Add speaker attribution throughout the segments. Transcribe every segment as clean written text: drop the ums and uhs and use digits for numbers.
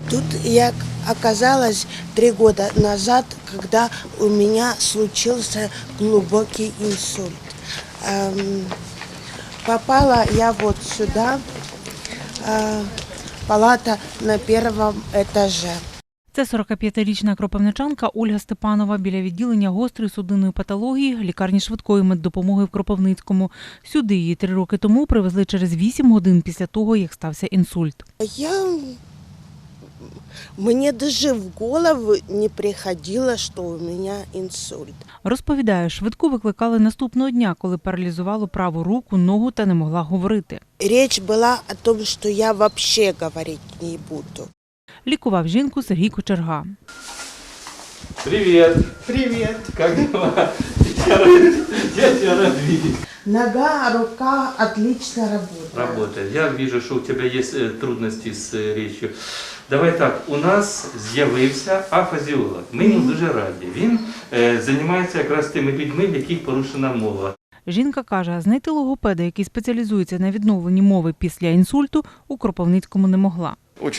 Speaker 1: Тут я оказалась 3 года назад, когда у меня случился глубокий инсульт. Попала я вот сюда, палата на 1-му этаже.
Speaker 2: Це 45-річна кропивничанка Ольга Степанова біля відділення гострої судинної патології лікарні швидкої меддопомоги в Кропивницькому. Сюди її 3 роки тому привезли через 8 годин після того, як стався інсульт.
Speaker 1: Мне даже в голову не приходило, что у меня инсульт.
Speaker 2: Розповідає, швидку викликали наступного дня, коли паралізувало праву руку, ногу та не могла говорити.
Speaker 1: Речь была о том, что я вообще говорить не буду.
Speaker 2: Лікував жінку Сергій Кочерга.
Speaker 3: Привет.
Speaker 1: Привет.
Speaker 3: Как дела? Я тебя рад видеть.
Speaker 1: Нога, рука отлично работает.
Speaker 3: Работает. Я вижу, что у тебя есть трудности с речью. Давай так, у нас з'явився афазіолог. Ми йому дуже раді. Він займається якраз тими людьми, в яких порушена мова.
Speaker 2: Жінка каже, знайти логопеда, який спеціалізується на відновленні мови після інсульту, у Кропивницькому не могла.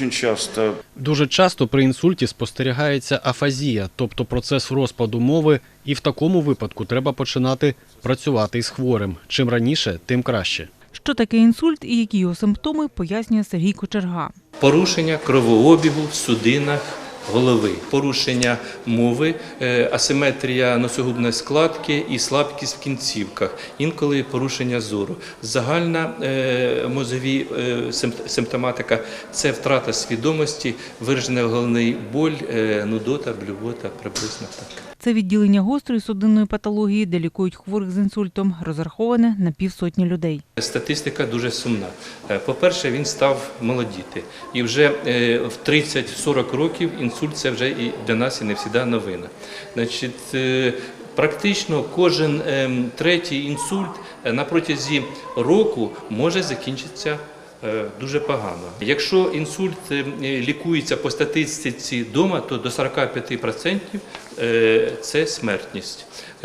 Speaker 4: Дуже часто при інсульті спостерігається афазія, тобто процес розпаду мови, і в такому випадку треба починати працювати із хворим. Чим раніше, тим краще.
Speaker 2: Що таке інсульт і які його симптоми, пояснює Сергій Кочерга.
Speaker 3: Порушення кровообігу в судинах голови, порушення мови, асиметрія носогубної складки і слабкість в кінцівках, інколи порушення зору. Загальна мозові симптоматика – це втрата свідомості, виражений головний боль, нудота, блювота, приблизно так.
Speaker 2: Це відділення гострої судинної патології, де лікують хворих з інсультом, розраховане на 50 людей.
Speaker 3: Статистика дуже сумна. По-перше, він став молодіти. І вже в 30-40 років інсульт – це вже і для нас і не завжди новина. Значить, практично кожен третій інсульт на протязі року може закінчитися дуже погано. Якщо інсульт лікується по статистиці вдома, то до 45% це смертність.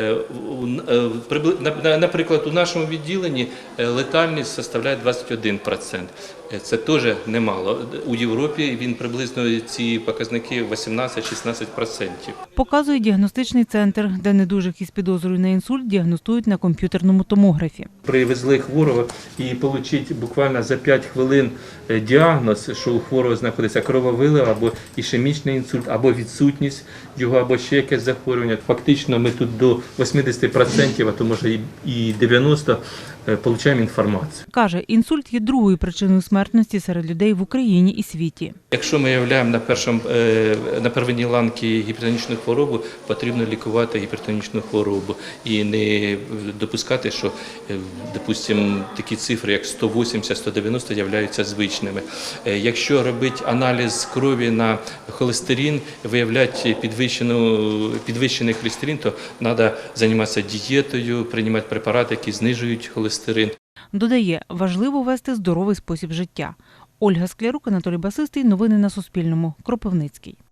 Speaker 3: Наприклад, у нашому відділенні летальність складає 21%. Це теж немало. У Європі він приблизно ці показники 18-16%.
Speaker 2: Показує діагностичний центр, де недужих із підозрою на інсульт діагностують на комп'ютерному томографі.
Speaker 3: Привезли хворого і отримати буквально за 5 хвилин діагноз, що у хворого знаходиться крововилив або ішемічний інсульт, або відсутність його, або ще якесь захворювання. Фактично ми тут до 80%, а то може і 90% отримуємо інформацію.
Speaker 2: Каже, інсульт є другою причиною смертності серед людей в Україні і світі.
Speaker 3: Якщо ми виявляємо на первинній ланці гіпертонічну хворобу, потрібно лікувати гіпертонічну хворобу і не допускати, що, допустимо, такі цифри, як 180-190, являються звичними. Якщо робити аналіз крові на холестерин, виявляти підвищений холестерин, то треба займатися дієтою, приймати препарати, які знижують холестерин.
Speaker 2: Додає, важливо вести здоровий спосіб життя. Ольга Склярук, Анатолій Басистий. Новини на Суспільному. Кропивницький.